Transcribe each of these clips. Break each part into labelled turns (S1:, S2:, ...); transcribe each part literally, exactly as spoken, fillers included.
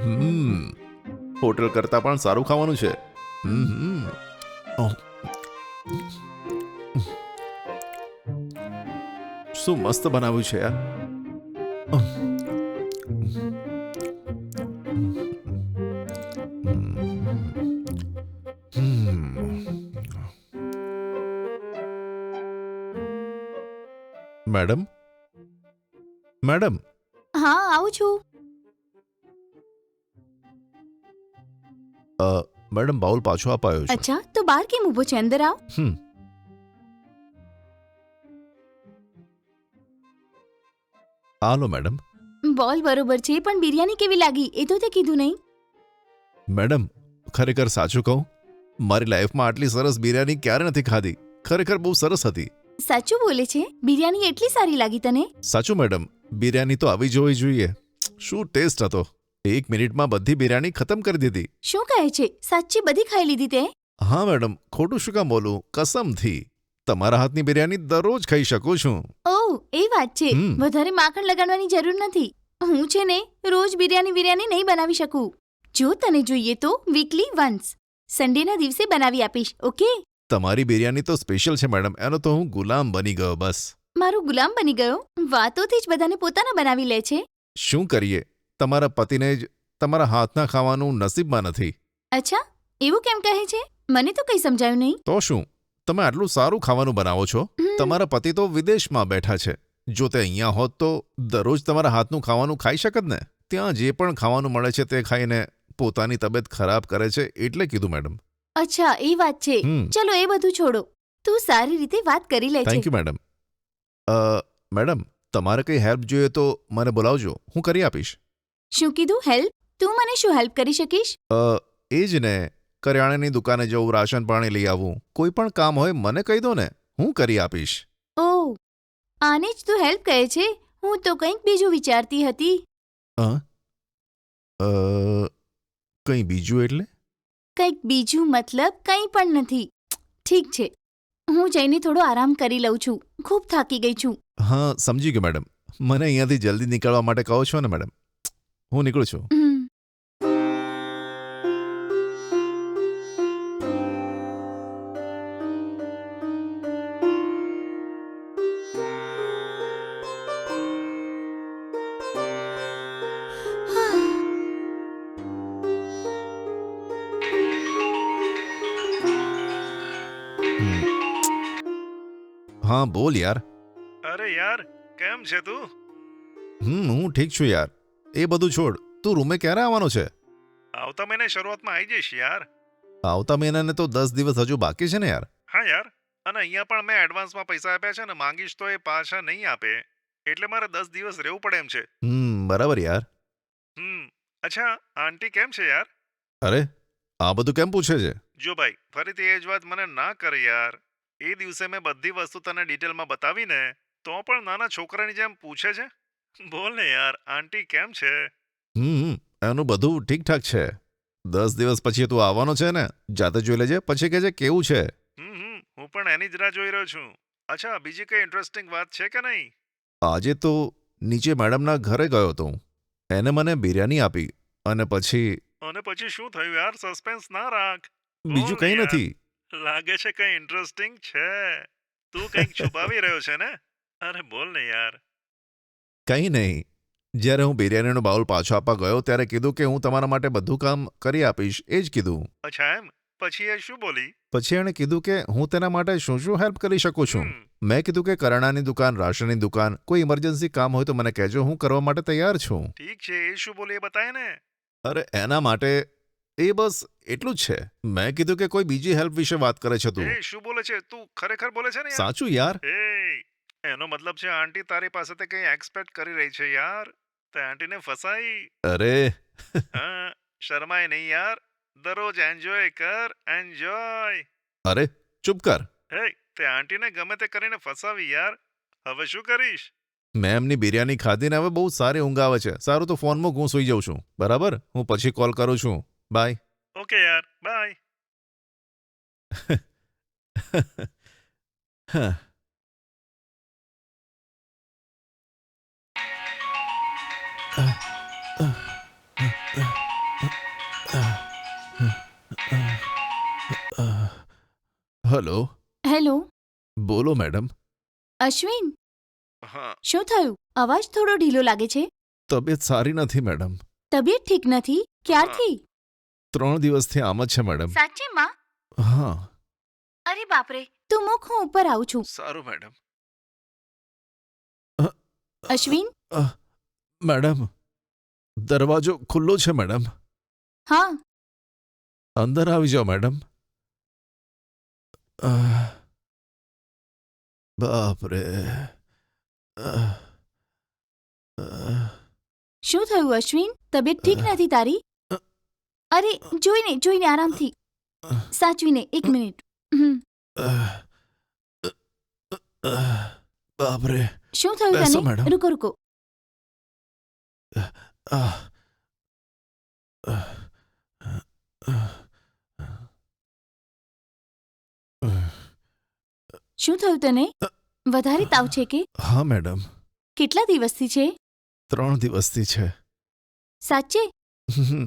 S1: હમ hotel કરતાં પણ સારું ખાવાનું છે. હમ ઓહ, શું મસ્ત બનાવ્યું છે યાર. મેડમ મેડમ
S2: હા, આવું છું.
S1: અ, મેડમ બાઉલ પાછો અપાયો છે.
S2: અચ્છા, તો બહાર કેમ ઊભો છે? અંદર આવ.
S1: હમ હાલો મેડમ.
S2: બોલ બરોબર છે, પણ બિરયાની કેવી લાગી એ તો તે કીધું નહીં.
S1: મેડમ ખરેખર સાચું કહું, મારી લાઈફમાં આટલી સરસ બિરયાની ક્યારે નથી ખાધી. ખરેખર બહુ સરસ હતી.
S2: સાચું બોલે છે? બિરયાની એટલી સારી લાગી તને?
S1: સાચું મેડમ, બિરયાની તો આવી જોવી જોઈએ. શું ટેસ્ટ હતો. એક મિનિટમાં બધી બિરયાની ખતમ કરી દીધી.
S2: શું કહે છે? સાચી બધી ખાઈ લીધી તે?
S1: હા મેડમ, ખોટું શું કામ બોલું, કસમથી. તમારા હાથની બિરયાની દરરોજ ખાઈ શકું છું.
S2: ઓહ, એ વાત છે.
S1: હમ.
S2: વધારે માખણ લગાડવાની જરૂર નથી. હું છે ને રોજ બિરયાની બિરયાની નહીં બનાવી શકું. જો તને જોઈએ તો વીકલી વન્સ સન્ડેના દિવસે બનાવી આપીશ. ઓકે?
S1: તમારી બિરયાની તો સ્પેશિયલ છે મેડમ, એનો તો હું ગુલામ બની ગયો બસ.
S2: મારો ગુલામ બની ગયો? વાતોથી જ બધાને પોતાના બનાવી લે છે.
S1: શું કરીએ, તમારા પતિને જ તમારા હાથના ખાવાનું નસીબમાં નથી.
S2: અચ્છા, એવું કેમ કહે છે? મને તો કંઈ સમજાયું નહીં.
S1: તો શું, તમે આટલું સારું ખાવાનું બનાવો છો.
S2: હમ.
S1: તમારા પતિ તો વિદેશમાં બેઠા છે. જો તે અહીંયા હોત તો દરરોજ તમારા હાથનું ખાવાનું ખાઈ શકત ને. ત્યાં જે પણ ખાવાનું મળે છે તે ખાઈને પોતાની તબિયત ખરાબ કરે છે, એટલે કીધું મેડમ.
S2: અચ્છા, એ વાત છે.
S1: હમ
S2: ચલો એ બધું છોડો. તું સારી રીતે વાત કરી લે છે.
S1: Thank you madam. અ મેડમ, તમારે કંઈ હેલ્પ જોઈએ તો મને બોલાવજો, હું કરી આપીશ.
S2: શું કીધું? હેલ્પ? તું મને શું હેલ્પ કરી શકીશ?
S1: અ એ જ ને, કરિયાણાની દુકાને જવું, રાશન પાણી લઈ આવવું, કોઈ પણ કામ હોય મને કહી દો ને, હું કરી આપીશ.
S2: ઓહ, આને જ તું હેલ્પ કહે છે? હું તો કંઈક બીજું વિચારતી હતી.
S1: અ અ, કંઈ બીજું એટલે?
S2: કંઈક બીજું મતલબ કંઈ પણ નથી. ઠીક છે, હું જઈને થોડો આરામ કરી લઉં છું. ખૂબ થાકી ગઈ છું.
S1: હા, સમજી ગયો મેડમ. મને અહીંયાથી જલ્દી નીકળવા માટે કહો છો ને મેડમ. હું નીકળું છું.
S2: હમ.
S1: હમ. હા બોલ યાર.
S3: અરે યાર, કેમ છે તું?
S1: હમ હું ઠીક છું યાર. એ બધું છોડ, તું રૂમે ક્યારે આવવાનો છે?
S3: આવતા મહિને શરૂઆતમાં આવી જઈશ યાર.
S1: આવતા મહિનાને તો દસ દિવસ હજુ બાકી છે ને યાર.
S3: હા યાર, અને અહીંયા પણ મેં એડવાન્સમાં પૈસા આપ્યા છે ને, માંગીશ તો એ પાછા નહીં આપે, એટલે મારે દસ દિવસ રહેવું પડે એમ છે.
S1: હમ બરાબર યાર.
S3: હમ અચ્છા, આંટી કેમ છે યાર?
S1: અરે, આ બધું કેમ પૂછે છે?
S3: જો ભાઈ, ફરીથી એ જ વાત મને ના કર યાર. એ દિવસે મેં બધી વસ્તુ તને ડિટેલમાં બતાવીને, તો પણ નાના છોકરાની જેમ પૂછે છે. બોલ ને યાર, આંટી કેમ છે?
S1: હમ એનું બધું ઠીકઠાક છે. દસ દિવસ પછી તું આવવાનો છે ને, જાતે જોઈ લેજે, પછી કહેજે કેવું છે.
S3: હમ હમ હું પણ એની જ રાહ જોઈ રહ્યો છું. અચ્છા, બીજી કઈ ઇન્ટરેસ્ટિંગ વાત છે કે નહીં?
S1: આજે તો નીચે મેડમના ઘરે ગયો હતો હું. એને મને બિરયાની આપી અને પછી
S3: અને પછી શું થયું યાર? સસ્પેન્સ ના રાખ.
S1: બીજું
S3: બોલ ને
S1: કંઈ
S3: યાર.
S1: નથી.
S3: લાગે છે કઈ ઇન્ટરેસ્ટિંગ છે. તું કંઈક છુપાવી રહ્યો છે ને? અરે બોલ ને યાર.
S1: કંઈ નહીં. જ્યારે હું બિરયાનીનો બાઉલ પાછો આપવા ગયો ત્યારે કીધું કે હું તમારા માટે બધું કામ કરી આપીશ, એ જ કીધું.
S3: અચ્છા એમ? પછી એ શું બોલી?
S1: પછી એણે કીધું કે હું તેના માટે શું શું હેલ્પ કરી શકું છું.
S3: હમ
S1: મેં કીધું કે કરિયાણાની દુકાન, રાશનની દુકાન, કોઈ ઇમરજન્સી કામ હોય તો મને કહેજો, હું કરવા માટે તૈયાર છું.
S3: ઠીક છે, એ શું બોલી એ બતાય ને.
S1: અરે એના માટે એ બસ એટલું જ છે. મેં કીધું કે કોઈ બીજી હેલ્પ વિશે વાત કરે છે તું.
S3: એ શું બોલે છે? તું ખરેખર બોલે છે ને યાર?
S1: સાચું યાર.
S3: એ એનો મતલબ છે આંટી તારી પાસેથી કંઈ એક્સપેક્ટ કરી રહી છે યાર. તે આંટીને ફસાઈ.
S1: અરે
S3: હા, શરમાય નહીં યાર. દરરોજ એન્જોય કર, એન્જોય.
S1: અરે ચૂપ કર.
S3: હે, તે આંટીને ગમે તે કરીને ફસાવી યાર. હવે શું કરીશ?
S1: મેં એમની બિરયાની ખાધીને હવે બહુ સારી ઊંઘ આવે છે. સારું તો ફોન મૂક, હું સૂઈ જાઉં છું. બરાબર, હું પછી કોલ કરું છું. બાય.
S3: ઓકે યાર, બાય.
S1: હા. હલો,
S2: હેલો
S1: બોલો મેડમ.
S2: અશ્વિન,
S3: હા
S2: શું થયું? અવાજ થોડો ઢીલો લાગે છે.
S1: તબિયત સારી નથી મેડમ.
S2: તબિયત ઠીક નથી? ક્યારથી?
S1: ત્રણ દિવસથી આમ જ છે મેડમ.
S2: સાચે માં?
S1: હા.
S2: અરે બાપરે, તું મૂક, હું ઉપર આવું છું.
S1: સારું મેડમ.
S2: અશ્વિન?
S1: મેડમ, દરવાજો ખુલ્લો છે મેડમ.
S2: હા.
S1: અંદર આવી જાઓ મેડમ. આહ. બાપરે. આહ. આહ.
S2: શું થયું અશ્વિન? તબિયત ઠીક નથી તારી? અરે જોઈને જોઈને આરામથી, સાચવીને, એક મિનિટ. હમ.
S1: આહ. આહ. બાપરે.
S2: શું થયું
S1: બેસો,
S2: તને?
S1: મેડમ.
S2: રૂકો રૂકો.
S1: આહ. આહ. આહ.
S2: શું થયું તને? વધારે તાવ છે કે?
S1: હા મેડમ,
S2: કેટલા દિવસથી છે?
S1: ત્રણ દિવસથી છે.
S2: સાચે?
S1: હમ.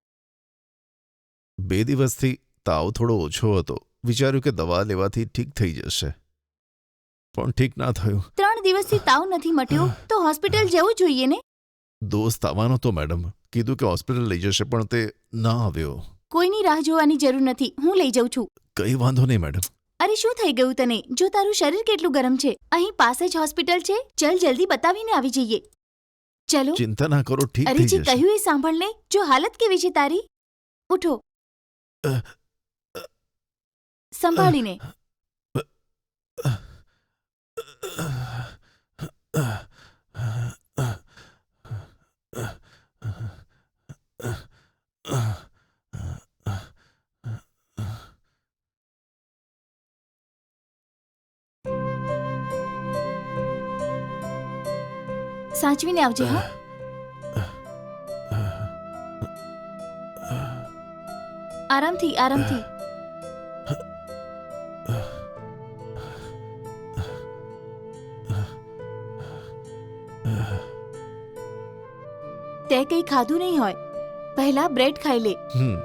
S1: બે દિવસથી તાવ થોડો ઓછો હતો. વિચાર્યું કે દવા લેવાથી ઠીક થઈ જશે, પણ ઠીક ના થયું.
S2: ત્રણ દિવસથી તાવ નથી મટ્યો તો હોસ્પિટલ જવું જોઈએ ને?
S1: દોસ્ત આવવાનો તો મેડમ, કીધું કે હોસ્પિટલ લઈ જશે, પણ તે ના આવ્યો.
S2: કોઈની રાહ જોવાની જરૂર નથી, હું લઈ જાઉં છું.
S1: કઈ વાંધો નહીં મેડમ.
S2: અરે શું થઈ ગયું તને? જો તારું શરીર કેટલું ગરમ છે. અહીં પાસે જ હોસ્પિટલ છે, ચલ જલ્દી બતાવીને આવી જઈએ. ચલો.
S1: ચિંતા ના કરો, ઠીક
S2: અરે
S1: થઈ
S2: જે
S1: જશે.
S2: કહ્યું એ સાંભળ ને. જો હાલત કેવી છે તારી? ઉઠો.
S1: અ,
S2: સંભાળીને. સાચવીને આવજે. હા, આરામથી આરામથી. તે કંઈ ખાધું નહીં હોય. પહેલા બ્રેડ ખાઈ લે.
S1: હમ.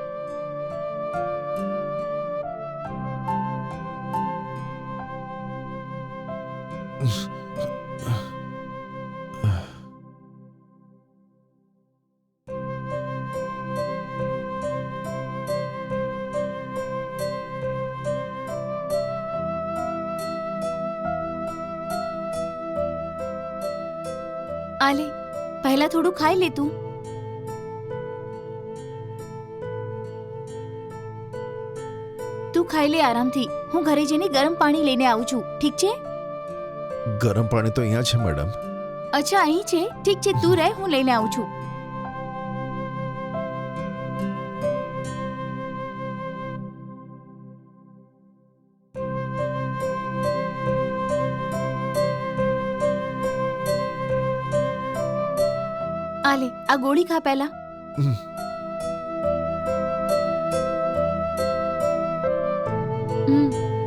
S2: આ લે, પહેલા થોડું ખાઈ લે તું. તું ખાઈ લે આરામથી. હું ઘરે જઈને ગરમ પાણી લઈને આવું છું, ઠીક છે?
S1: ગરમ પાણી તો અહીંયા છે મેડમ.
S2: અચ્છા, અહીં છે? ઠીક છે, તું રહે, હું લઈને આવું છું. આ લે, આ ગોળી ખા પહેલા.
S1: હમ.
S2: હમ.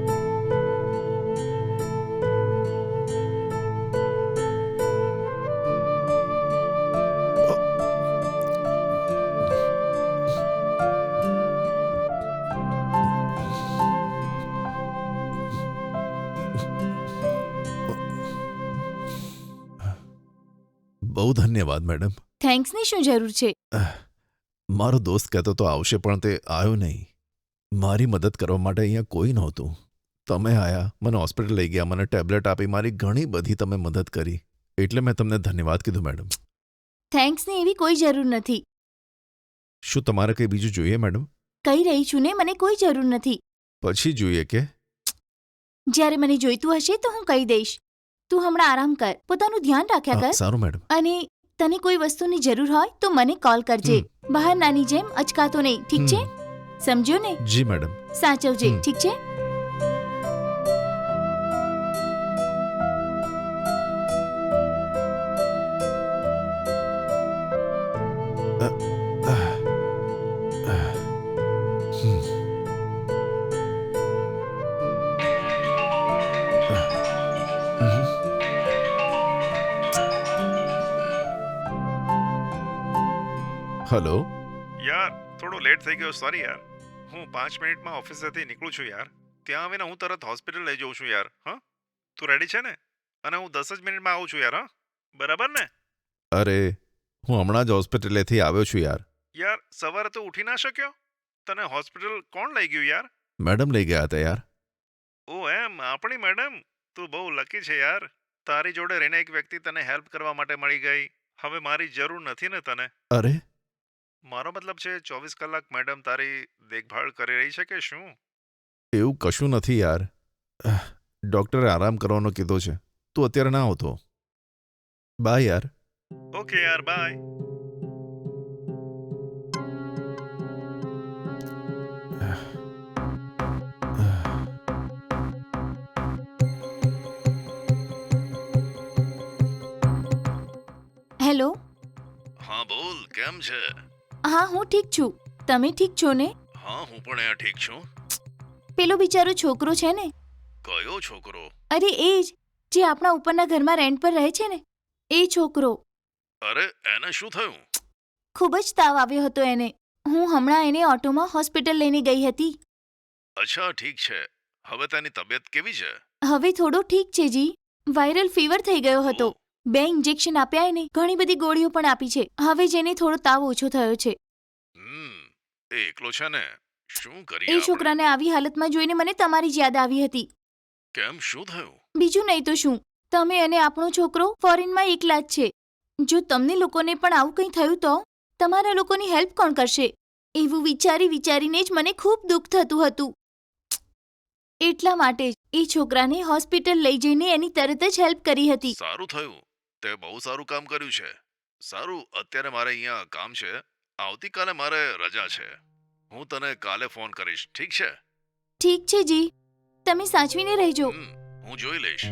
S1: બહુ ધન્યવાદ મેડમ.
S2: થેન્ક્સની શું જરૂર છે?
S1: મારો દોસ્ત કહેતો તો આવશે, પણ તે આવ્યો નહીં. મારી મદદ કરવા માટે અહીંયા કોઈ નહોતું. તમે આયા, મને હોસ્પિટલ લઈ ગયા, મને ટેબ્લેટ આપી, મારી ઘણી બધી તમે મદદ કરી. એટલે મેં તમને ધન્યવાદ કીધું મેડમ.
S2: થેન્ક્સની એવી કોઈ જરૂર નથી.
S1: શું તમારે કંઈ બીજું જોઈએ મેડમ?
S2: કહી રહી છું ને, મને કોઈ જરૂર નથી.
S1: પછી જોઈએ કે?
S2: જ્યારે મને જોઈતું હશે તો હું કહી દઈશ. તું હમણાં આરામ કર, પોતાનું ધ્યાન રાખ્યા
S1: હા,
S2: કર.
S1: સારું મેડમ.
S2: અને તને કોઈ વસ્તુની જરૂર હોય તો મને કોલ કરજે. બહાર નાની જેમ અચકાતો નહીં, ઠીક છે? સમજ્યો ને?
S1: જી મેડમ.
S2: સાચવજે,
S1: હમ.
S2: ઠીક છે?
S1: હલો.
S3: થોડો લેટ થઈ ગયો, સોરી યાર. હું પાંચ મિનિટમાં ઓફિસેથી નીકળું છું યાર. ત્યાં આવીને હું તરત હોસ્પિટલ લઈ જઉં છું યાર. હા, તું રેડી છે ને? અને હું દસ જ મિનિટમાં આવું છું યાર. હા, બરાબર ને?
S1: અરે હું હમણાં જ હોસ્પિટલેથી આવ્યો છું યાર.
S3: યાર સવારે તો ઉઠી ના શક્યો? તને હોસ્પિટલ કોણ લઈ ગયું યાર?
S1: મેડમ લઈ ગયા હતા યાર.
S3: ઓ એમ, આપણી મેડમ. તું બહુ લકી છે યાર. તારી જોડે રહીને એક વ્યક્તિ તને હેલ્પ કરવા માટે મળી ગઈ. હવે મારી જરૂર નથી ને તને?
S1: અરે
S3: મારો મતલબ છે ચોવીસ કલાક મેડમ તારી દેખભાળ કરી રહી છે કે શું?
S1: એવું કશું નથી યાર. ડૉક્ટરે આરામ કરવાનો કીધો છે. તું અત્યારે ના આવતો. બાય યાર.
S3: ઓકે યાર, બાય.
S2: હેલો.
S3: હા બોલ, કેમ છે?
S2: હા હું ઠીક છું. તમે ઠીક છો ને?
S3: હા, હું પણ અહીંયા ઠીક છું.
S2: પેલો બિચારો છોકરો છે ને,
S3: કયો છોકરો?
S2: અરે એ જ જે આપણા ઉપરના ઘરમાં રેન્ટ પર રહે છે ને, એ છોકરો.
S3: અરે એને શું થયું?
S2: ખૂબ જ તાવ આવ્યો હતો એને. હું હમણાં એને ઓટોમાં હોસ્પિટલ લઈને ગઈ હતી.
S3: અચ્છા, ઠીક છે. હવે તેની તબિયત કેવી છે?
S2: હવે થોડો ઠીક છે જી. વાયરલ ફીવર થઈ ગયો હતો.
S3: ઓ,
S2: બે ઇન્જેક્શન આપ્યા એને, ઘણી બધી ગોળીઓ પણ આપી છે. હવે જેને થોડો તાવ ઓછો થયો છે.
S3: હમ, એ એકલો છે ને? શું કરીએ
S2: એ
S3: આપણે?
S2: છોકરાને આવી હાલતમાં જોઈને મને તમારી જ યાદ આવી હતી.
S3: કેમ, શું થયું?
S2: બીજું નહીં તો શું, તમે અને આપણો છોકરો ફોરેનમાં એકલા જ છે. જો તમને લોકોને પણ આવું કંઈ થયું તો તમારા લોકોની હેલ્પ કોણ કરશે? એવું વિચારી વિચારીને જ મને ખૂબ દુઃખ થતું હતું. એટલા માટે જ એ છોકરાને હોસ્પિટલ લઈ જઈને એની તરત જ હેલ્પ કરી હતી.
S3: સારું થયું. તે બહુ સારું કામ કર્યું છે. સારું, અત્યારે મારે અહીંયા કામ છે. આવતીકાલે મારે રજા છે. હું તને કાલે ફોન કરીશ, ઠીક છે?
S2: ઠીક છે જી, તમે સાચવીને રહેજો.
S3: હમ, હું જોઈ લઈશ.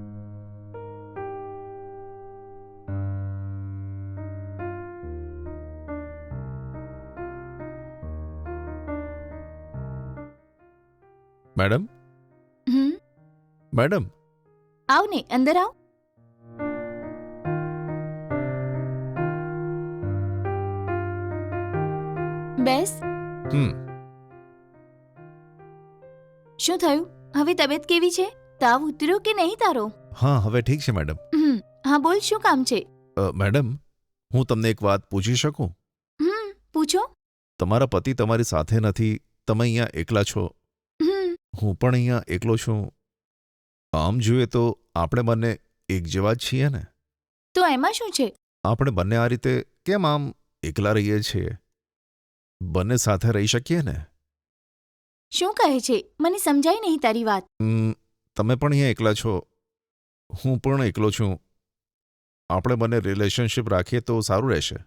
S1: મેડમ
S2: હમ
S1: મેડમ
S2: આવ ને, અંદર આવ. બેસ.
S1: હમ
S2: શું થયું? હવે તબિયત કેવી છે? તાવ ઉતર્યો કે નહીં તારો?
S1: હા હવે ઠીક છે મેડમ.
S2: હમ હા બોલ, શું કામ છે?
S1: અ, મેડમ હું તમને એક વાત પૂછી શકું?
S2: હમ પૂછો.
S1: તમારા પતિ તમારી સાથે નથી, તમે અહીંયા એકલા છો,
S2: હમ
S1: હું પણ અહીંયા એકલો છું. આમ જોઈએ તો આપણે બંને એક જેવા જ છીએ ને?
S2: તો એમાં શું છે?
S1: આપણે બંને આ રીતે કેમ આમ એકલા રહીએ છીએ? બંને સાથે રહી શકીએ ને?
S2: શું કહે છે? મને સમજાય નહીં તારી વાત.
S1: ઉમ, તમે પણ અહીંયા એકલા છો, હું પણ એકલો છું. આપણે બંને રિલેશનશિપ રાખીએ તો સારું રહેશે.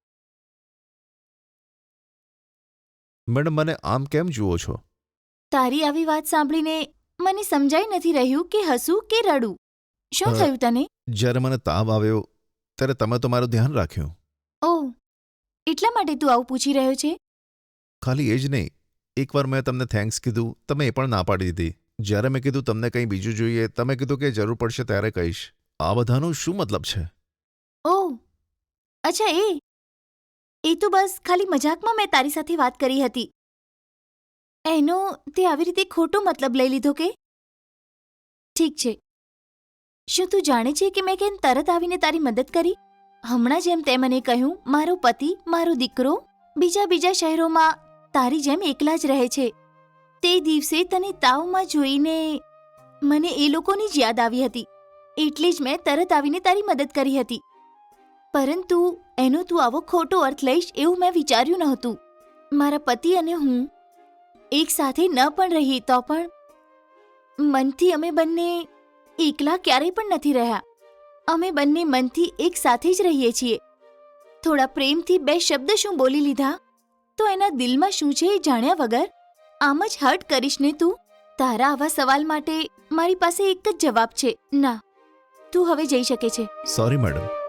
S1: મેડમ મને આમ કેમ જુઓ છો?
S2: તારી આવી વાત સાંભળીને મને સમજાઈ નથી રહ્યું કે હસું કે રડું. શું
S1: અ,
S2: થયું તને?
S1: જ્યારે મને તાવ આવ્યો ત્યારે તમે તો મારું ધ્યાન રાખ્યું.
S2: ઓહ, એટલા માટે તું આવું પૂછી રહ્યો છે?
S1: ખાલી એ જ નહીં, એકવાર મેં તમને થેન્ક્સ કીધું, તમે એ પણ ના પાડી દીધી. જ્યારે મેં કીધું તમને કંઈ બીજું જોઈએ, તમે કીધું કે જરૂર પડશે ત્યારે કહીશ. આ બધાનો શું મતલબ છે?
S2: ઓહ અચ્છા, એ એ તો બસ ખાલી મજાકમાં મેં તારી સાથે વાત કરી હતી. એનો તે આવી રીતે ખોટો મતલબ લઈ લીધો કે? ઠીક છે. શું તું જાણે છે કે મેં કેમ તરત આવીને તારી મદદ કરી? હમણાં જેમ તે મને કહ્યું, મારો પતિ, મારો દીકરો બીજા બીજા શહેરોમાં તારી જેમ એકલા જ રહે છે. તે દિવસે તને તાવમાં જોઈને મને એ લોકોની જ યાદ આવી હતી. એટલે જ મેં તરત આવીને તારી મદદ કરી હતી. પરંતુ એનો તું આવો ખોટો અર્થ લઈશ એવું મેં વિચાર્યું નહોતું. મારા પતિ અને હું એક સાથે ન પણ રહીએ તો પણ મનથી અમે બંને એકલા ક્યારેય પણ નથી રહ્યા. અમે બંને મનથી એક સાથે જ રહીએ છીએ. થોડા પ્રેમથી બે શબ્દ શું બોલી લીધા તો એના દિલમાં શું છે એ જાણ્યા વગર આમ જ હર્ટ કરીશ ને તું? તારા આવા સવાલ માટે મારી પાસે એક જ જવાબ છે, ના. તું હવે જઈ શકે છે.
S1: Sorry madam.